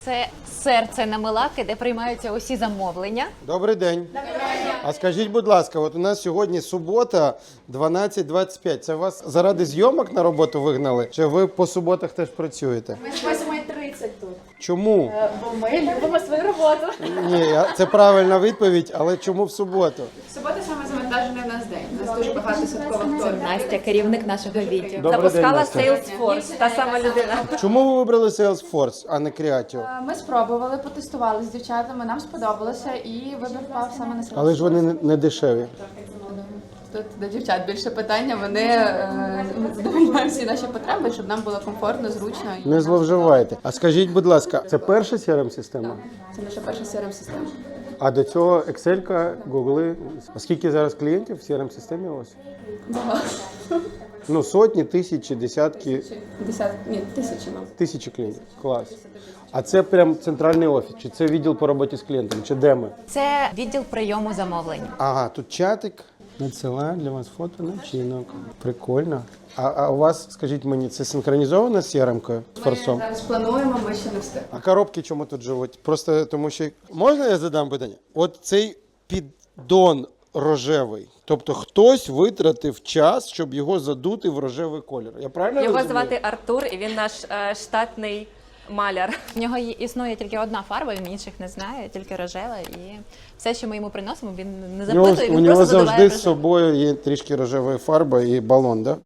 Це серце на Милаки, де приймаються усі замовлення. Добрий день. А скажіть, будь ласка, от у нас сьогодні субота, 12:25. Це вас заради зйомок на роботу вигнали? Чи ви по суботах теж працюєте? Ми з 8:30 тут. Чому? Бо ми любимо свою роботу. Ні, це правильна відповідь, але чому в суботу? Субота саме завантажений в нас день. У нас дуже багато святкових торгів. Настя, керівник нашого відділу. Добрий день, Запускала Настя. Salesforce, та сама людина. Чому ви вибрали Salesforce, а не Creatio? Ми спробували, потестували з дівчатами, нам сподобалося і вибір впав саме на Salesforce. Але ж вони не дешеві. Тут до дівчат більше питання, вони задовольняють всі наші потреби, щоб нам було комфортно, зручно. І Не зловживайте. А скажіть, будь ласка, це перша CRM-система? Це наша перша CRM-система. А до цього Excel, Google. А скільки зараз клієнтів в CRM-системі у вас? Багато. Ну, сотні, тисячі, десятки, Тисячі, мабуть. тисячі клієнтів. Клас. А це прям центральний офіс? Чи це відділ по роботі з клієнтом? Чи де ми? Це відділ прийому замовлень. Ага, тут чатик. Надсилаю для вас фото начинок. Прикольно. А у вас, скажіть мені, це синхронізовано з CRM-кою? З Ми форсом? зараз плануємо, ми ще не встигли. А коробки чому тут живуть? Просто тому що... Можна я задам питання? От цей піддон рожевий. Тобто хтось витратив час, щоб його задути в рожевий колір. Я правильно Його розумію? звати Артур, і він наш штатний маляр. В нього існує тільки одна фарба, він інших не знає, тільки рожева. І все, що ми йому приносимо, він не запитує, У він нього просто задуває завжди з рожеву. собою є трішки рожевої фарби і балон, да?